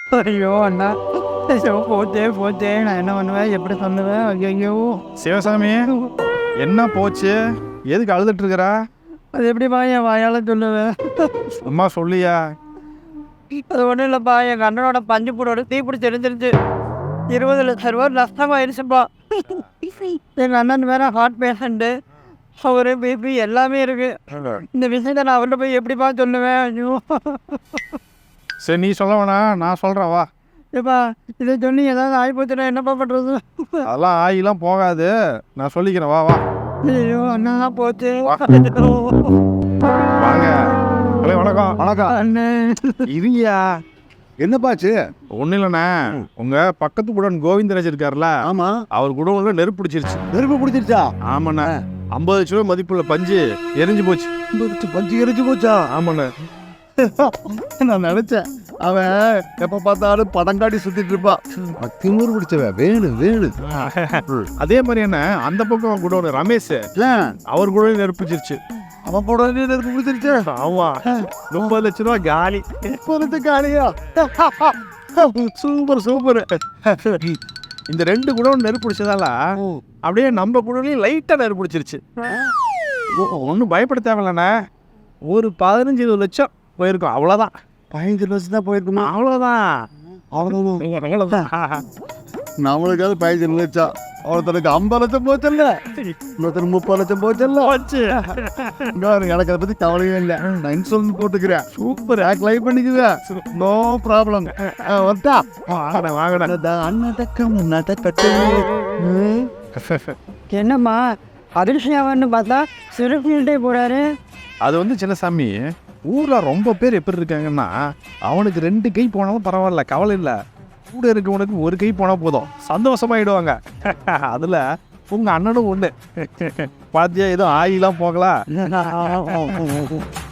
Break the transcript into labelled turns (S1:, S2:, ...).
S1: ஐயோ அண்ணா, ஐயோ போச்சே போச்சே, நான் என்ன பண்ணுவேன், எப்படி சொல்லுவேன்? ஐயோ
S2: சிவசாமி, என்ன போச்சு? எதுக்கு அழுதுட்டு இருக்கிறா?
S1: அது எப்படிப்பா என் வாயால் சொல்லுவேன்?
S2: அம்மா சொல்லியா?
S1: அது ஒன்றும் இல்லைப்பா, எங்கள் அண்ணனோட பஞ்சு பூடோட தீப்பிடிச்சு எரிஞ்சிருச்சு. 20 லட்சம் ரூபா நஷ்டமாயிருச்சுப்பா. எங்கள் அண்ணன் வேற ஹார்ட் பேஷண்ட்டு, அவரு பிபி எல்லாமே இருக்கு. இந்த விஷயத்தை நான் அவர்கிட்ட போய் எப்படிப்பா சொல்லுவேன்? ஐயோ
S2: சரி, நீ சொல்ல வேணாம், நான் சொல்கிறேன் வா.
S1: ஏப்பா, இதை சொல்லி ஏதாவது ஆகிப்போச்சுன்னா என்னப்பா பண்ணுறது?
S2: அதெல்லாம் ஆயிலாம் போகாது, நான் சொல்லிக்கிறேன் வா வா.
S1: ஐயோ அண்ணா போச்சு.
S2: வாங்க. ஹலோ, வணக்கம்.
S3: வணக்கம்.
S1: அண்ணே,
S2: இருங்கயா.
S3: என்னப்பாச்சு?
S2: ஒன்றும் இல்லைண்ணே, உங்கள் பக்கத்து குடன் கோவிந்தராஜ் இருக்கார்ல,
S3: ஆமா,
S2: அவர் குடோன்ல நெருப்பு பிடிச்சிருச்சு.
S3: நெருப்பு பிடிச்சிருச்சா?
S2: ஆமாண்ணே, 50 லட்ச ரூபா மதிப்புள்ள பஞ்சு எரிஞ்சு போச்சு.
S3: பஞ்சு எரிஞ்சு போச்சா?
S2: ஆமாண்ணே.
S3: நான் நினைச்சேன் அவன் எப்ப பார்த்தாலும் படங்காடி சுத்திட்டு இருப்பான். திமுரு பிடிச்சவன் வேணும் வேணும்.
S2: அதே மாதிரி என்ன, அந்த பக்கம் குடோன் ரமேஷ், அவர் குடோன் நெருப்பிச்சிருச்சு.
S3: அவன் போட நெருப்பு பிடிச்சிருச்சு.
S2: ஆமா, 30 லட்ச ரூபா காலி.
S3: காலியா?
S2: Super super. இந்த 2 குடோன் நெருப்பு பிடிச்சதால அப்படியே நம்ம குடோன்லயும் லைட்டா நெருப்பு பிடிச்சிருச்சு. ஒன்றும் பயப்பட தேவையில்லண்ணே, ஒரு 15-20 லட்சம் போயிருக்கும், அவ்வளோதான்.
S3: 15 லட்சம் தான் போயிருக்குமா?
S2: அவ்வளோதான்.
S3: அவ்வளவுதான். நம்மளுக்காவது 15 லட்சம், ஒருத்தருக்கு 50 லட்சம் போச்சல்ல, இன்னொருத்தருக்கு 30 லட்சம் போச்சல்ல. எனக்கு அதை பத்தி கவலையே இல்லை, நான் இன்சூரன்ஸ் போட்டுக்கிறேன். சூப்பர், லைவ் பண்ணிக்குவேன், நோ ப்ராப்ளம். வந்தா
S2: வாங்கடா.
S1: என்னம்மா அதிர்ஷ்யாவன்னு பார்த்தா சிறுப்பிள்கிட்டே போறாரு.
S2: அது வந்து சின்னசாமி, ஊர்ல ரொம்ப பேர் எப்படி இருக்காங்கன்னா, அவனுக்கு 2 கை போனாலும் பரவாயில்ல, கவலை இல்லை. கூட இருக்கவனுக்கு 1 கை போனால் போதும், சந்தோஷமாயிடுவாங்க. அதில் உங்கள் அண்ணனும் ஒன்று. பாத்தியா, எதுவும் ஆயிலாம் போகலாம்.